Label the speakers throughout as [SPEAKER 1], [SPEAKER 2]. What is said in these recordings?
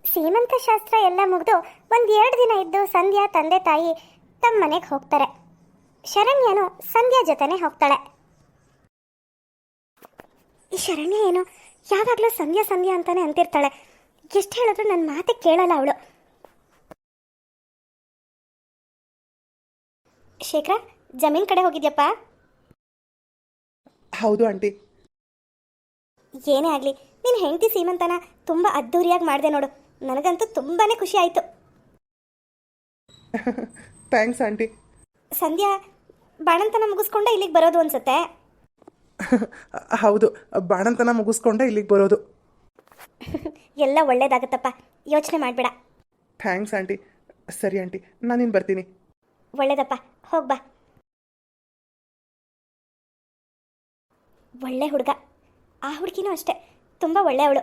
[SPEAKER 1] ಸೀಮಂತ ಶಾಸ್ತ್ರ ಎಲ್ಲ ಮುಗಿದು ಒಂದು 2 ದಿನ ಇದ್ದು ಸಂಧ್ಯಾ ತಂದೆ ತಾಯಿ ತಮ್ಮ ಮನೆಗೆ ಹೋಗ್ತಾರೆ. ಶರಣ್ಯನು ಸಂಧ್ಯಾ ಜೊತೆನೆ ಹೋಗ್ತಾಳೆ. ಈ ಶರಣ್ಯ ಏನು ಯಾವಾಗಲೂ ಸಂಧ್ಯಾ ಸಂಧ್ಯಾ ಅಂತಾನೆ ಅಂತಿರ್ತಾಳೆ. ಎಷ್ಟು ಹೇಳಿದ್ರು ನನ್ನ ಮಾತೆ ಕೇಳಲ್ಲ ಅವಳು. ಶೇಖರ, ಜಮೀನ್ ಕಡೆ ಹೋಗಿದ್ಯಪ್ಪ?
[SPEAKER 2] ಹೌದು ಆಂಟಿ.
[SPEAKER 1] ಏನೇ ಆಗಲಿ ನಿನ್ನ ಹೆಂಡತಿ ಸೀಮಂತನ ತುಂಬ ಅದ್ಧೂರಿಯಾಗಿ ಮಾಡಿದೆ ನೋಡು. ನನಗಂತೂ ತುಂಬಾ ಖುಷಿ ಆಯಿತು.
[SPEAKER 2] Thanks aunty.
[SPEAKER 1] ಸಂಧ್ಯಾ ಬಾಣಂತನ ಮುಗಿಸ್ಕೊಂಡೆ ಇಲ್ಲಿಗೆ ಬರೋದು ಅನ್ಸುತ್ತೆ.
[SPEAKER 2] ಹೌದು, ಬಾಣಂತನ ಮುಗಿಸ್ಕೊಂಡೆ ಇಲ್ಲಿಗೆ ಬರೋದು.
[SPEAKER 1] ಎಲ್ಲ ಒಳ್ಳೇದಾಗತ್ತಪ್ಪ, ಯೋಚನೆ ಮಾಡಬೇಡ.
[SPEAKER 2] Thanks aunty. ಸರಿ ಆಂಟಿ, ನಾನಿನ್ನು ಬರ್ತೀನಿ.
[SPEAKER 1] ಒಳ್ಳೇದಪ್ಪ, ಹೋಗ್ಬಾ. ಒಳ್ಳೆ ಹುಡುಗ. ಆ ಹುಡುಗಿನೂ ಅಷ್ಟೇ, ತುಂಬ ಒಳ್ಳೆಯವಳು.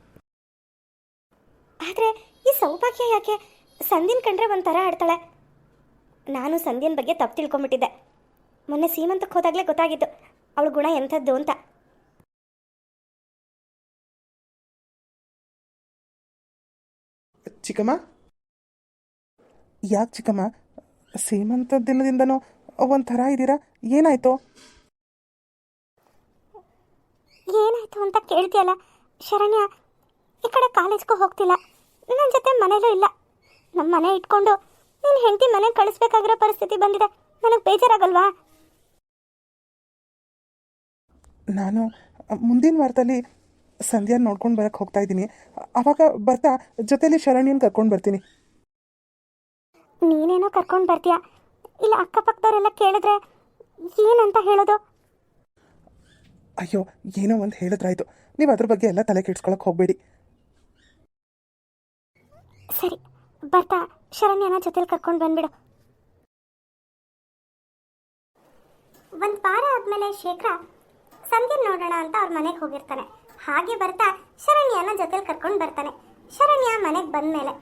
[SPEAKER 1] ಆದರೆ ಈ ಸೌಭಾಗ್ಯ ಯಾಕೆ ಸಂಧ್ಯನ್ ಕಂಡ್ರೆ ಒಂಥರ ಆಡ್ತಾಳೆ. ನಾನು ಸಂಧ್ಯನ್ ಬಗ್ಗೆ ತಪ್ಪು ತಿಳ್ಕೊಂಬಿಟ್ಟಿದ್ದೆ. ಮೊನ್ನೆ ಸೀಮಂತಕ್ಕೆ ಹೋದಾಗಲೇ ಗೊತ್ತಾಗಿತ್ತು ಅವಳ ಗುಣ ಎಂಥದ್ದು ಅಂತ.
[SPEAKER 2] ಚಿಕ್ಕಮ್ಮ, ಯಾಕೆ ಚಿಕ್ಕಮ್ಮ ಸೀಮಂತ ದಿನದಿಂದನೂ ಒಂಥರ ಇದ್ದೀರಾ? ಏನಾಯ್ತು?
[SPEAKER 1] ಏನಾಯ್ತು ಅಂತ ಕೇಳ್ತೀಯಲ್ಲ ಶರಣ್ಯ, ಈ ಕಡೆ ಕಾಲೇಜ್ಗೂ ಹೋಗ್ತಿಲ್ಲ, ನನ್ನ ಜೊತೆ ಮನೇಲೂ ಇಲ್ಲ. ನಮ್ಮ ಮನೆ ಇಟ್ಕೊಂಡು ನೀನು ಹೆಂಡತಿ ಮನೆಗೆ ಕಳಿಸ್ಬೇಕಾಗಿರೋ ಪರಿಸ್ಥಿತಿ ಬಂದಿದೆ. ನನಗೆ ಬೇಜಾರಾಗಲ್ವಾ?
[SPEAKER 2] ನಾನು ಮುಂದಿನ ವಾರದಲ್ಲಿ ಸಂಧ್ಯಾ ನೋಡ್ಕೊಂಡು ಬರೋಕ್ಕೆ ಹೋಗ್ತಾ ಇದ್ದೀನಿ. ಆವಾಗ ಬರ್ತಾ ಜೊತೆಲಿ ಶರಣ್ಯನ ಕರ್ಕೊಂಡು ಬರ್ತೀನಿ.
[SPEAKER 1] ನೀನೇನೋ ಕರ್ಕೊಂಡು ಬರ್ತೀಯ, ಇಲ್ಲ ಅಕ್ಕಪಕ್ಕದವರೆಲ್ಲ ಕೇಳಿದ್ರೆ ಏನಂತ ಹೇಳೋದು?
[SPEAKER 2] ಅಯ್ಯೋ, ಏನೋ ಒಂದು ಹೇಳಿದ್ರಾಯ್ತು. ನೀವು ಅದ್ರ ಬಗ್ಗೆ ಎಲ್ಲ ತಲೆ ಕೆಡ್ಸ್ಕೊಳಕ್ಕೆ ಹೋಗಬೇಡಿ.
[SPEAKER 1] ಸರಿ, ಬರ್ತಾ ಶರಣ್ಯನ ಜೊತೆಲಿ ಕರ್ಕೊಂಡು ಬಂದ್ಬಿಡು. ಒಂದು ವಾರ ಆದಮೇಲೆ ಶೇಖರ ಸಂಧ್ಯನ್ ನೋಡೋಣ ಅಂತ ಅವ್ರ ಮನೆಗೆ ಹೋಗಿರ್ತಾನೆ. ಹಾಗೆ ಬರ್ತಾ ಶರಣ್ಯನ ಜೊತೆಲಿ ಕರ್ಕೊಂಡು ಬರ್ತಾನೆ. ಶರಣ್ಯ ಮನೆಗೆ ಬಂದಮೇಲೆ,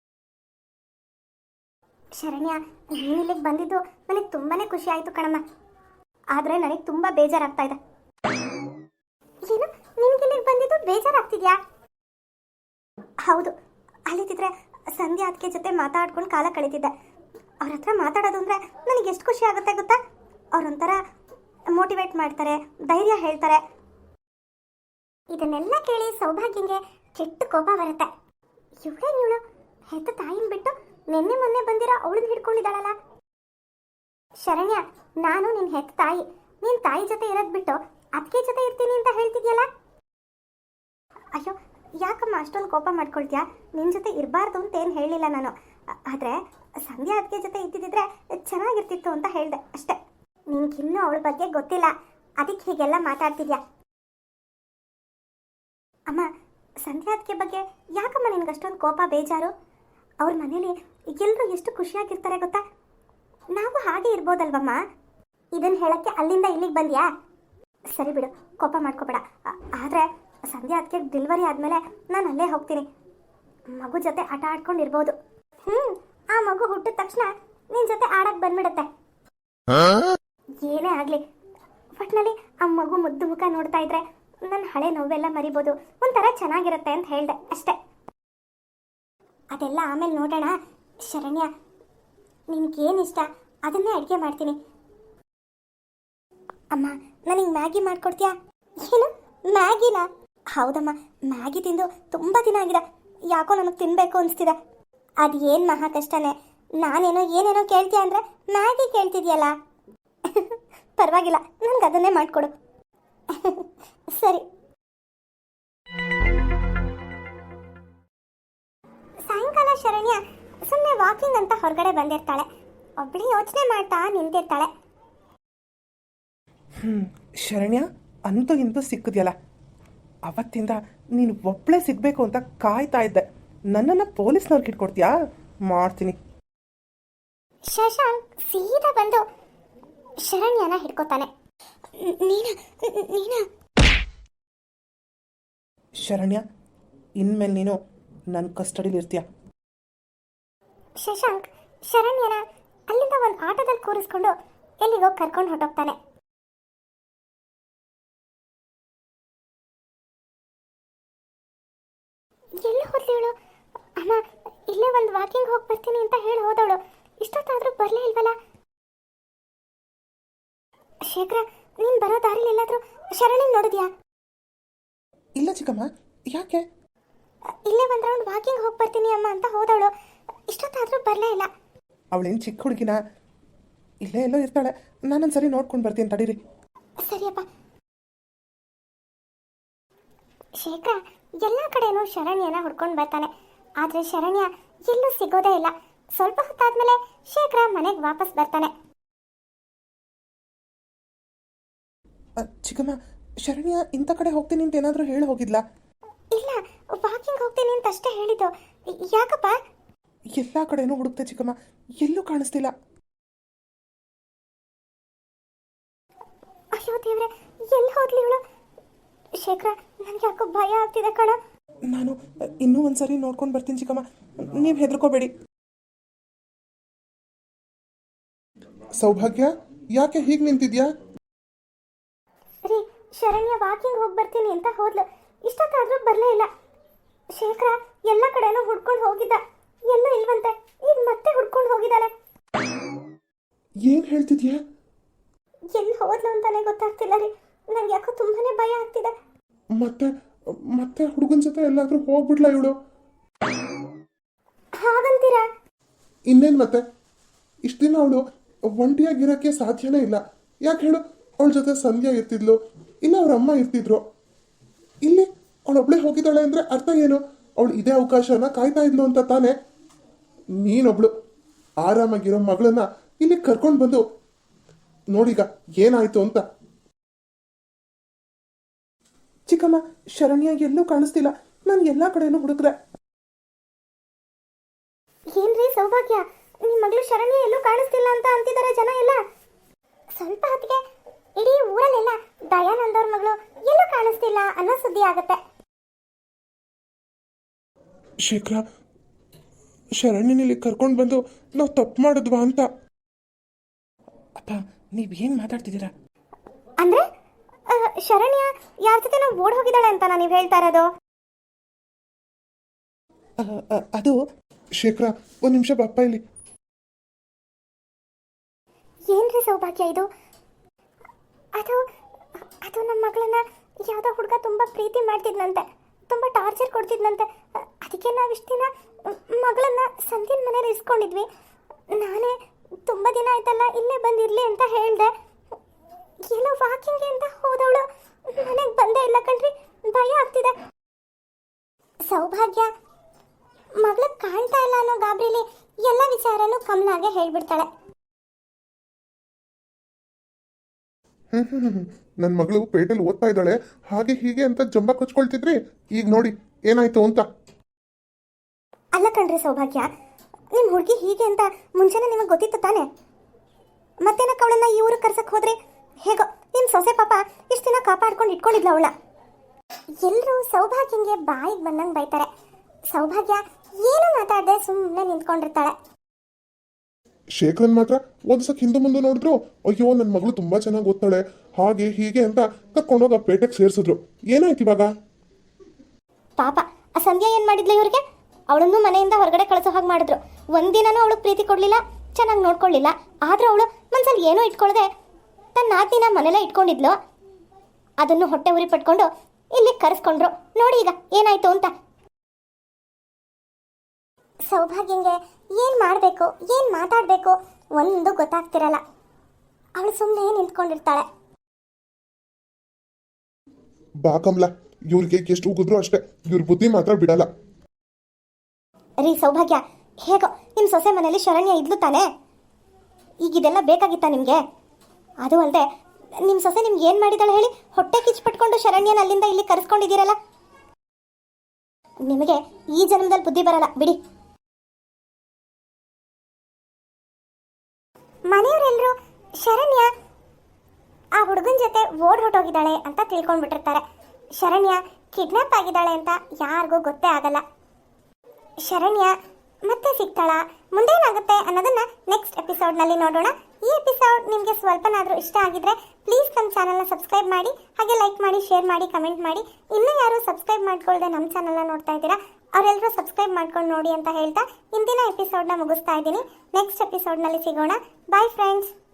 [SPEAKER 1] ಶರಣ್ಯ ನೀನು ಇಲ್ಲಿಗೆ ಬಂದಿದ್ದು ನನಗೆ ತುಂಬಾನೇ ಖುಷಿ ಆಯಿತು ಕಣಮ್ಮ. ಆದರೆ ನನಗೆ ತುಂಬ ಬೇಜಾರಾಗ್ತಾ ಇದೆ. ಏನು, ನಿನಗೆ ಇಲ್ಲಿಗೆ ಬಂದಿದ್ದು ಬೇಜಾರಾಗ್ತಿದ್ಯಾ? ಹೌದು, ಅಲ್ಲಿದ್ದಿದ್ರೆ ಸಂಧ್ಯಾ ಅದಕ್ಕೆ ಜೊತೆ ಮಾತಾಡ್ಕೊಂಡು ಕಾಲ ಕಳೀತಿದ್ದೆ. ಅವ್ರ ಹತ್ರ ಮಾತಾಡೋದು ಅಂದರೆ ನನಗೆ ಎಷ್ಟು ಖುಷಿ ಆಗುತ್ತೆ ಗೊತ್ತಾ? ಅವ್ರೊಂಥರ ಮೋಟಿವೇಟ್ ಮಾಡ್ತಾರೆ, ಧೈರ್ಯ ಹೇಳ್ತಾರೆ. ಇದನ್ನೆಲ್ಲ ಕೇಳಿ ಸೌಭಾಗ್ಯಂಗೆ ಕೆಟ್ಟ ಕೋಪ ಬರುತ್ತೆ. ಇವಳು ಹೆತ್ತ ತಾಯಿನ ಬಿಟ್ಟು ನಿನ್ನೆ ಮೊನ್ನೆ ಬಂದಿರೋ ಅವಳನ್ನ ಹಿಡ್ಕೊಂಡಿದ್ದಾಳಲ್ಲ. ಶರಣ್ಯ, ನಾನು ನಿನ್ನ ಹೆತ್ತ ತಾಯಿ. ನೀನು ತಾಯಿ ಜೊತೆ ಇರೋದು ಬಿಟ್ಟು ಅದಕ್ಕೆ ಜೊತೆ ಇರ್ತೀನಿ ಅಂತ ಹೇಳ್ತಿದ್ಯಲ್ಲ. ಅಯ್ಯೋ, ಯಾಕಮ್ಮ ಅಷ್ಟೊಂದು ಕೋಪ ಮಾಡ್ಕೊಳ್ತೀಯಾ? ನಿನ್ನ ಜೊತೆ ಇರಬಾರ್ದು ಅಂತ ಏನು ಹೇಳಿಲ್ಲ ನಾನು. ಆದರೆ ಸಂಧ್ಯಾ ಅದಕ್ಕೆ ಜೊತೆ ಇದ್ದಿದ್ದರೆ ಚೆನ್ನಾಗಿರ್ತಿತ್ತು ಅಂತ ಹೇಳಿದೆ ಅಷ್ಟೇ. ನಿನ್ಗಿನ್ನೂ ಅವಳ ಬಗ್ಗೆ ಗೊತ್ತಿಲ್ಲ, ಅದಕ್ಕೆ ಹೀಗೆಲ್ಲ ಮಾತಾಡ್ತಿದ್ಯಾ. ಅಮ್ಮ, ಸಂಧ್ಯಾ ಅದಕ್ಕೆ ಬಗ್ಗೆ ಯಾಕಮ್ಮ ನಿನ್ಗೆ ಅಷ್ಟೊಂದು ಕೋಪ ಬೇಜಾರು? ಅವ್ರ ಮನೇಲಿ ಎಲ್ಲರೂ ಎಷ್ಟು ಖುಷಿಯಾಗಿರ್ತಾರೆ ಗೊತ್ತಾ? ನಾವು ಹಾಗೆ ಇರ್ಬೋದಲ್ವಮ್ಮ? ಇದನ್ನು ಹೇಳಕ್ಕೆ ಅಲ್ಲಿಂದ ಇಲ್ಲಿಗೆ ಬಂದ್ಯಾ? ಸರಿ ಬಿಡು, ಕೋಪ ಮಾಡ್ಕೋಬೇಡ. ಆದರೆ ಸಂಧ್ಯಾ ಅದಕ್ಕೆ ಡೆಲಿವರಿ ಆದಮೇಲೆ ನಾನು ಅಲ್ಲೇ ಹೋಗ್ತೀನಿ. ಮಗು ಜೊತೆ ಆಟ ಆಡ್ಕೊಂಡಿರ್ಬೋದು. ಆ ಮಗು ಹುಟ್ಟಿದ ತಕ್ಷಣ ನಿನ್ನ ಜೊತೆ ಆಡಕ್ಕೆ ಬಂದ್ಬಿಡುತ್ತೆ. ಏನೇ ಆಗಲಿ, ಒಟ್ಟಿನಲ್ಲಿ ಆ ಮಗು ಮುದ್ದು ಮುಖ ನೋಡ್ತಾ ಇದ್ರೆ ನನ್ನ ಹಳೆ ನೋವೆಲ್ಲ ಮರಿಬೋದು, ಒಂಥರ ಚೆನ್ನಾಗಿರುತ್ತೆ ಅಂತ ಹೇಳಿದೆ ಅಷ್ಟೇ. ಅದೆಲ್ಲ ಆಮೇಲೆ ನೋಡೋಣ. ಶರಣ್ಯ, ನಿನಗೇನು ಇಷ್ಟ ಅದನ್ನೇ ಅಡುಗೆ ಮಾಡ್ತೀನಿ. ಅಮ್ಮ, ನನಗೆ ಮ್ಯಾಗಿ ಮಾಡ್ಕೊಡ್ತೀಯಾ? ಏನು, ಮ್ಯಾಗಿನಾ? ಹೌದಮ್ಮ, ಮ್ಯಾಗಿ ತಿಂದು ತುಂಬ ದಿನ ಆಗಿದೆ. ಯಾಕೋ ನನಗೆ ತಿನ್ನಬೇಕು ಅನಿಸ್ತಿದೆ. ಅದು ಏನು ಮಹಾ ಕಷ್ಟನೇ. ನಾನೇನೋ ಏನೇನೋ ಕೇಳ್ತೀಯ ಅಂದರೆ ಮ್ಯಾಗಿ ಕೇಳ್ತಿದ್ಯಲ್ಲ. ಪರವಾಗಿಲ್ಲ, ನನಗೆ ಅದನ್ನೇ ಮಾಡಿಕೊಡು. ಸರಿ. ಸಾಯಂಕಾಲ ಶರಣ್ಯ ಸುಮ್ಮನೆ ವಾಕಿಂಗ್ ಅಂತ ಹೊರಗಡೆ ಬಂದಿರ್ತಾಳೆ. ಒಬ್ಬಳಿ ಯೋಚನೆ ಮಾಡ್ತಾ ನಿಂತಿರ್ತಾಳೆ.
[SPEAKER 2] ಶರಣ್ಯ, ಅಂತೂ ಇಂತೂ ಸಿಕ್ಕಿದ್ಯಲ್ಲ. ಅವತ್ತಿಂದ ನೀನು ಒಬ್ಬಳೇ ಸಿಗಬೇಕು ಅಂತ ಕಾಯ್ತಾ ಇದ್ದೆ. ನನ್ನನ್ನು ಪೊಲೀಸ್ನವ್ರಿಗೆ ಇಟ್ಕೊಡ್ತೀಯಾ? ಮಾಡ್ತೀನಿ.
[SPEAKER 1] ಶಶಾಂಕ್ ಸೀದಾ ಬಂದು ಶರಣ್ಯನ ಹಿಡ್ಕೋತಾನೆ. ನೀನಾ?
[SPEAKER 2] ಶರಣ್ಯ, ಇನ್ಮೇಲೆ ನೀನು ನನ್ನ ಕಸ್ಟಡಿಲಿ ಇರ್ತೀಯ.
[SPEAKER 1] ಶಶಾಂಕ್ ಶರಣ್ಯನ ಅಲ್ಲಿಂದ ಒಂದು ಆಟೋದಲ್ಲಿ ಕೂರಿಸ್ಕೊಂಡು ಎಲ್ಲಿಗೋ ಕರ್ಕೊಂಡು ಹೊರಟೋಗ್ತಾನೆ. ಎಲ್ಲಿ ಹೋದ್ಲಿವಳು? ಅಮ್ಮ ಇಲ್ಲೇ ಒಂದು ವಾಕಿಂಗ್ ಹೋಗಿ ಬರ್ತೀನಿ ಅಂತ ಹೇಳಿ ಹೋದವಳು ಇಷ್ಟೊತ್ತಾದ್ರೂ ಬರಲೇ ಇಲ್ವಲ್ಲ. ಶೇಖರ, ನೀನು ಬರೋ ದಾರಿಲಿ ಎಲ್ಲಾದ್ರೂ ಶರಣ್ಯನ ನೋಡಿದ್ಯಾ?
[SPEAKER 2] ಇಲ್ಲ ಚಿಕ್ಕಮ್ಮ, ಯಾಕೆ?
[SPEAKER 1] ಇಲ್ಲೇ ಒಂದು ರೌಂಡ್ ವಾಕಿಂಗ್ ಹೋಗಿ ಬರ್ತೀನಿ ಅಮ್ಮ ಅಂತ ಹೋದವಳು ಇಷ್ಟೊತ್ತಾದ್ರೂ ಬರಲೇ ಇಲ್ಲ.
[SPEAKER 2] ಅವಳೇನು ಚಿಕ್ಕ ಹುಡುಗಿನ, ಇಲ್ಲೇ ಎಲ್ಲೋ ಇರ್ತಾಳೆ. ನಾನೊಂದ್ಸರಿ ನೋಡ್ಕೊಂಡು ಬರ್ತೀನಿ ತಡೀರಿ.
[SPEAKER 1] ಸರಿಯಪ್ಪ. ಶೇಖರ ಎಲ್ಲ ಕಡೆನೂ ಶರಣ್ಯನ ಹುಡ್ಕೊಂಡು ಬರ್ತಾನೆ, ಆದರೆ ಶರಣ್ಯ ಎಲ್ಲೂ ಸಿಗೋದೇ ಇಲ್ಲ. ಸ್ವಲ್ಪ ಹೊತ್ತಾದ್ಮೇಲೆ ಶೇಖರ ಮನೆಗೆ ವಾಪಸ್ ಬರ್ತಾನೆ.
[SPEAKER 2] ಚಿಕ್ಕಮ್ಮ, ಶರಣ್ಯ ಇಂಥ ಕಡೆ ಹೋಗ್ತೀನಿ ಅಂತ ಏನಾದರೂ ಹೇಳಿ ಹೋಗಿದ್ಲಾ?
[SPEAKER 1] ಇಲ್ಲ, ವಾಕಿಂಗ್ ಹೋಗ್ತೀನಿ ಅಂತ ಅಷ್ಟೇ ಹೇಳಿದ್ದು. ಯಾಕಪ್ಪ?
[SPEAKER 2] ಎಲ್ಲ ಕಡೆನೂ ಹುಡುಕ್ತೆ ಚಿಕ್ಕಮ್ಮ, ಎಲ್ಲೂ ಕಾಣಿಸ್ತಿಲ್ಲ.
[SPEAKER 1] ಅಯ್ಯೋ ದೇವ್ರೆ, ಎಲ್ಲಿ ಹೋದ್ಲಿ ಇವಳು? ಶೇಖರ, ನನಗೆ ಯಾಕೋ ಭಯ ಆಗ್ತಿದೆ ಕಣ.
[SPEAKER 2] ನಾನು ಇನ್ನೂ ಒಂದ್ಸರಿ ನೋಡ್ಕೊಂಡು ಬರ್ತೀನಿ ಚಿಕ್ಕಮ್ಮ, ನೀವು ಹೆದರ್ಕೋಬೇಡಿ. ಸೌಭಾಗ್ಯ, ಯಾಕೆ ಹೀಗೆ ನಿಂತಿದ್ಯಾ?
[SPEAKER 1] ರೀ, ಶರಣ್ಯ ವಾಕಿಂಗ್ ಹೋಗಿ ಬರ್ತೀನಿ ಅಂತ ಹೋದ್ಲು ಇಷ್ಟೊತ್ತಾದ್ರೂ ಬರಲೇ ಇಲ್ಲ. ಶೇಖರ ಎಲ್ಲ ಕಡೆನೂ ಹುಡ್ಕೊಂಡು ಹೋಗಿದ್ದ, ಎಲ್ಲೂ ಇಲ್ವಂತೆ. ಈಗ ಮತ್ತೆ ಹುಡ್ಕೊಂಡು ಹೋಗಿದ್ದಾನೆ.
[SPEAKER 2] ಏನು ಹೇಳ್ತಿದ್ಯಾ?
[SPEAKER 1] ಎಲ್ಲಿ ಹೋದ್ಲು ಅಂತಾನೆ ಗೊತ್ತಾಗ್ತಿಲ್ಲ ರೀ. ನಂಗೆ ಯಾಕೋ ತುಂಬಾನೇ ಭಯ ಆಗ್ತಿದೆ.
[SPEAKER 2] ಮತ್ತೆ ಮತ್ತೆ ಹುಡುಗನ ಜೊತೆ ಎಲ್ಲಾದ್ರೂ ಹೋಗ್ಬಿಡ್ಲಾ ಇವಳು?
[SPEAKER 1] ಹಾಗಂತೀರಾ?
[SPEAKER 2] ಇನ್ನೇನು ಮತ್ತೆ, ಇಷ್ಟು ದಿನ ಅವಳು ಒಂಟಿಯಾಗಿರೋಕ್ಕೆ ಸಾಧ್ಯನೇ ಇಲ್ಲ. ಯಾಕೆ ಹೇಳು? ಅವಳ ಜೊತೆ ಸಂಧ್ಯಾ ಇರ್ತಿದ್ಲು, ಇಲ್ಲ ಅವ್ರ ಅಮ್ಮ ಇರ್ತಿದ್ರು. ಇಲ್ಲಿ ಅವಳೊಬ್ಳೆ ಹೋಗಿದ್ದಾಳೆ ಅಂದರೆ ಅರ್ಥ ಏನು? ಅವಳು ಇದೇ ಅವಕಾಶನ ಕಾಯ್ತಾ ಇದ್ಲು ಅಂತ ತಾನೆ. ನೀನೊಬ್ಳು ಆರಾಮಾಗಿರೋ ಮಗಳನ್ನ ಇಲ್ಲಿ ಕರ್ಕೊಂಡು ಬಂದು ನೋಡೀಗ ಏನಾಯ್ತು ಅಂತ. ಚಿಕ್ಕಮ್ಮ, ಶರಣ್ಯ ಎಲ್ಲೂ ಕಾಣಿಸ್ತಿಲ್ಲ. ನಾನು ಎಲ್ಲ ಕಡೆನೂ ಹುಡುಕ್ರೆ.
[SPEAKER 1] ಏನ್ರಿ ಸೌಭಾಗ್ಯ, ನಿಮ್ಮ ಮಗಳು ಶರಣ್ಯ ಎಲ್ಲೂ ಕಾಣಿಸ್ತಿಲ್ಲ ಅಂತ ಅಂತಿದ್ದಾರೆ ಜನ ಎಲ್ಲ. ಸ್ವಲ್ಪ ಹೊತ್ತಿಗೆ ಇಡೀ ಊರಲ್ಲೆಲ್ಲ ದಯಾನಂದ್ ಅವ್ರ ಮಗಳು ಎಲ್ಲೂ ಕಾಣಿಸ್ತಿಲ್ಲ ಅನ್ನೋ ಸುದ್ದಿ ಆಗತ್ತೆ.
[SPEAKER 2] ಶೇಖರ, ಶರಣ್ಯನಲ್ಲಿ ಕರ್ಕೊಂಡು ಬಂದು ನಾವು ತಪ್ಪು ಮಾಡಿದ್ವಾ ಅಂತ. ಅಪ್ಪ, ನೀವೇನು ಮಾತಾಡ್ತಿದ್ದೀರಾ?
[SPEAKER 1] ಅಂದ್ರೆ ಶರಣ್ಯ ಯಾರ ಜೊತೆ ನಾವು ಓಡ್ ಹೋಗಿದ್ದಾಳೆ ಅಂತ ನೀವು ಹೇಳ್ತಾ ಇರೋದು?
[SPEAKER 2] ಅದು ಶೇಖರ, ಒಂದು ನಿಮಿಷ ಬಪ್ಪ ಇಲ್ಲಿ.
[SPEAKER 1] ಏನ್ರಿ ಸೌಭಾಗ್ಯ ಇದು? ಅದು ಅದು ನಮ್ಮ ಮಗಳನ್ನ ಯಾವುದೋ ಹುಡುಗ ತುಂಬ ಪ್ರೀತಿ ಮಾಡ್ತಿದ್ನಂತೆ, ತುಂಬ ಟಾರ್ಚರ್ ಕೊಡ್ತಿದ್ನಂತೆ. ಅದಕ್ಕೆ ನಾವು ಇಷ್ಟು ದಿನ ಮಗಳನ್ನ ಸಂಧ್ಯನ ಮನೇಲಿ ಇಸ್ಕೊಂಡಿದ್ವಿ. ನಾನೇ ತುಂಬ ದಿನ ಆಯ್ತಲ್ಲ ಇಲ್ಲೇ ಬಂದಿರಲಿ ಅಂತ ಹೇಳಿದೆ. ಏನೋ ವಾಕಿಂಗ್ಗೆ ಅಂತ ಹೋದವಳು ಮನೆಗೆ ಬಂದೇ ಇಲ್ಲ ಕಣ್ರಿ. ಭಯ ಆಗ್ತಿದೆ. ಸೌಭಾಗ್ಯ ಮಗಳು ಕಾಣ್ತಾ ಇಲ್ಲ ಅನ್ನೋ ಗಾಬರಿಲಿ ಎಲ್ಲ ವಿಚಾರನೂ ಕಮಲಾಗೆ ಹೇಳ್ಬಿಡ್ತಾಳೆ.
[SPEAKER 2] ನನ್ನ ಮಗಳು ಪೇಟೆಲ್ ಓದ್ತಾ ಇದ್ದಾಳೆ, ಹಾಗೆ ಹೀಗೆ ಅಂತ ಜಂಬ ಕೊಚ್ಕೊಳ್ತಿದ್ರಿ. ಈಗ ನೋಡಿ ಏನಾಯ್ತು ಅಂತ.
[SPEAKER 1] ಅಲ್ಲ ಕಣ್ರಿ ಸೌಭಾಗ್ಯ, ನಿಮ್ಮ ಹುಡುಗಿ ಹೀಗೆ ಅಂತ ಮುಂಚೆನೇ ನಿಮಗೆ ಗೊತ್ತಿತ್ತು ತಾನೆ? ಮತ್ತೇನಕ್ಕೆ ಅವಳನ್ನ ಈ ಊರಿಗೆ ಕರ್ಸಕ್ಕೆ ಹೋದ್ರೆ? ಹೇಗೋ ನಿಮ್ಮ ಸೊಸೆ ಪಾಪ ಇಷ್ಟು ದಿನ ಕಾಪಾಡ್ಕೊಂಡು ಇಟ್ಕೊಂಡಿದ್ಲ ಅವಳ. ಎಲ್ಲರೂ ಸೌಭಾಗ್ಯಂಗೆ ಬಾಯಿಗೆ ಬಂದಂಗೆ ಬೈತಾರೆ. ಸೌಭಾಗ್ಯ ಏನು ಮಾತಾಡದೆ ಸುಮ್ಮನೆ ನಿಂತ್ಕೊಂಡಿರ್ತಾಳೆ.
[SPEAKER 2] ಶೇಖರನ್ ಮಾತ್ರ ಓದಿಸಕ್ಕೆ ಹಿಂದೆ ಮುಂದೆ ನೋಡಿದ್ರು, ಅಯ್ಯೋ ನನ್ನ ಮಗಳು ತುಂಬಾ ಚೆನ್ನಾಗಿ ಓದ್ತಾಳೆ ಹಾಗೆ ಹೀಗೆ ಅಂತ ಕರ್ಕೊಂಡೋಗ ಪೇಟೆಗೆ ಸೇರಿಸಿದ್ರು. ಏನಾಯ್ತು ಇವಾಗ?
[SPEAKER 1] ಪಾಪ ಆ ಸಂಧ್ಯಾ ಏನು ಮಾಡಿದ್ಲು ಇವ್ರಿಗೆ? ಅವಳನ್ನು ಮನೆಯಿಂದ ಹೊರಗಡೆ ಕಳಿಸೋ ಹಾಗೆ ಮಾಡಿದ್ರು. ಒಂದಿನನೂ ಅವಳು ಪ್ರೀತಿ ಕೊಡಲಿಲ್ಲ, ಚೆನ್ನಾಗಿ ನೋಡ್ಕೊಳ್ಳಿಲ್ಲ. ಆದರೂ ಅವಳು ಮನ್ಸಲ್ಲಿ ಏನೂ ಇಟ್ಕೊಳ್ಳದೆ ತನ್ನ ನಾದಿನ ಮನೆಯಲ್ಲೇ ಇಟ್ಕೊಂಡಿದ್ಲು. ಅದನ್ನು ಹೊಟ್ಟೆ ಉರಿ ಪಟ್ಕೊಂಡು ಇಲ್ಲಿ ಕರೆಸ್ಕೊಂಡ್ರು. ನೋಡಿ ಈಗ ಏನಾಯ್ತು ಅಂತ. ಸೌಭಾಗ್ಯಂಗೆ ಏನು ಮಾಡಬೇಕು, ಏನು ಮಾತಾಡಬೇಕು ಒಂದು ಗೊತ್ತಾಗ್ತಿರಲ್ಲ. ಅವಳು ಸುಮ್ಮನೆ ನಿಂತ್ಕೊಂಡಿರ್ತಾಳೆ.
[SPEAKER 2] ಬಾ ಕಮಲ, ಇವ್ರಿಗೆ ಎಷ್ಟು ಉಗಿದ್ರು ಅಷ್ಟೇ, ಇವ್ರ ಬುದ್ಧಿ ಮಾತ್ರ ಬಿಡಲ್ಲ.
[SPEAKER 1] ರೀ ಸೌಭಾಗ್ಯ, ಹೇಗೋ ನಿಮ್ಮ ಸೊಸೆ ಮನೇಲಿ ಶರಣ್ಯ ಇದ್ಲು ತಾನೆ? ಈಗ ಇದೆಲ್ಲ ಬೇಕಾಗಿತ್ತಾ ನಿಮಗೆ? ಅದು ಅಲ್ಲದೆ ನಿಮ್ಮ ಸೊಸೆ ನಿಮ್ಗೆ ಏನು ಮಾಡಿದಾಳೆ ಹೇಳಿ? ಹೊಟ್ಟೆ ಕಿಚ್ಪಟ್ಕೊಂಡು ಶರಣ್ಯನ ಅಲ್ಲಿಂದ ಇಲ್ಲಿ ಕರೆಸ್ಕೊಂಡಿದ್ದೀರಲ್ಲ. ನಿಮಗೆ ಈ ಜನ್ಮದಲ್ಲಿ ಬುದ್ಧಿ ಬರಲ್ಲ ಬಿಡಿ. ಮನೆಯವರೆಲ್ಲರೂ ಶರಣ್ಯ ಆ ಹುಡುಗನ ಜೊತೆ ಓಡ್ ಹೊಟ್ಟೋಗಿದ್ದಾಳೆ ಅಂತ ತಿಳ್ಕೊಂಡ್ಬಿಟ್ಟಿರ್ತಾರೆ. ಶರಣ್ಯ ಕಿಡ್ನಾಪ್ ಆಗಿದ್ದಾಳೆ ಅಂತ ಯಾರಿಗೂ ಗೊತ್ತೇ ಆಗಲ್ಲ. ಶರಣ್ಯ ಮತ್ತೆ ಸಿಗ್ತಾಳ, ಮುಂದೇನಾಗುತ್ತೆ ಅನ್ನೋದನ್ನ ನೆಕ್ಸ್ಟ್ ಎಪಿಸೋಡ್ನಲ್ಲಿ ನೋಡೋಣ. ಈ ಎಪಿಸೋಡ್ ನಿಮಗೆ ಸ್ವಲ್ಪನಾದರೂ ಇಷ್ಟ ಆಗಿದ್ರೆ ಪ್ಲೀಸ್ ನಮ್ಮ ಚಾನಲ್ನ ಸಬ್ಸ್ಕ್ರೈಬ್ ಮಾಡಿ, ಹಾಗೆ ಲೈಕ್ ಮಾಡಿ, ಶೇರ್ ಮಾಡಿ, ಕಮೆಂಟ್ ಮಾಡಿ. ಇನ್ನೂ ಯಾರು ಸಬ್ಸ್ಕ್ರೈಬ್ ಮಾಡ್ಕೊಳ್ಳದೆ ನಮ್ಮ ಚಾನಲ್ನ ನೋಡ್ತಾ ಇದ್ದೀರಾ ಅವರೆಲ್ಲರೂ ಸಬ್ಸ್ಕ್ರೈಬ್ ಮಾಡ್ಕೊಂಡು ನೋಡಿ ಅಂತ ಹೇಳ್ತಾ ಇಂದಿನ ಎಪಿಸೋಡ್ನ ಮುಗಿಸ್ತಾ ಇದ್ದೀನಿ. ನೆಕ್ಸ್ಟ್ ಎಪಿಸೋಡ್ನಲ್ಲಿ ಸಿಗೋಣ. Bye friends.